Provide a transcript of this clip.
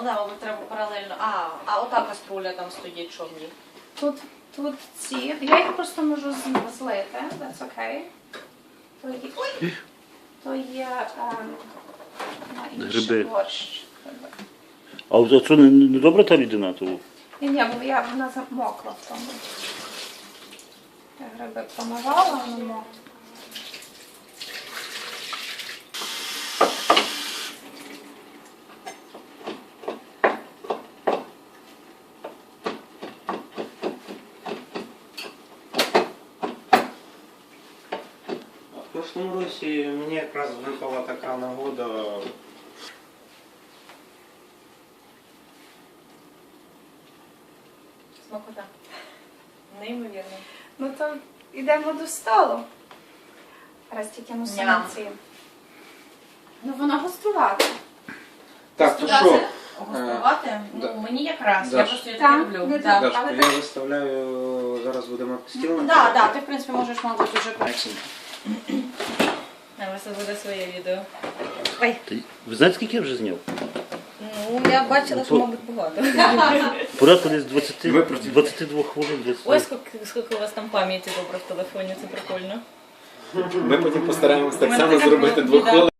Ну да, мабуть, треба паралельно. А ота каструля там стоїть, що в ній? Тут ці. Я їх просто можу злити. That's okay. То є на інший Гриби. борщ. А от це не добра та рідина? То... Ні, бо вона замокла в тому. Я гриби помивала, воно мокло. В прошлому році мені якраз випала така нагода. Смакота. Неймовірно. Ну то йдемо до столу. Раз тільки мусимо Ням. ці. Ну вона гострувата. Так, то що? Гостувати? да. Ну, мені якраз. Даш. Я просто її Так, люблю. не Да. так. Дашко, але я так. виставляю, зараз будемо стіл на Да, ти в принципі можеш, мабуть, уже у вас буде своє відео. Ой, Ви знаєте, скільки я вже зняв? ну я бачила, що, мабуть, багато. Порядку десь 20, Виправте. 22 хвилин. Десь. Ой, скільки у вас там пам'яті добре в телефоні, це прикольно. Ми потім постараємось У так мене само така зробити біда. двохвилинку.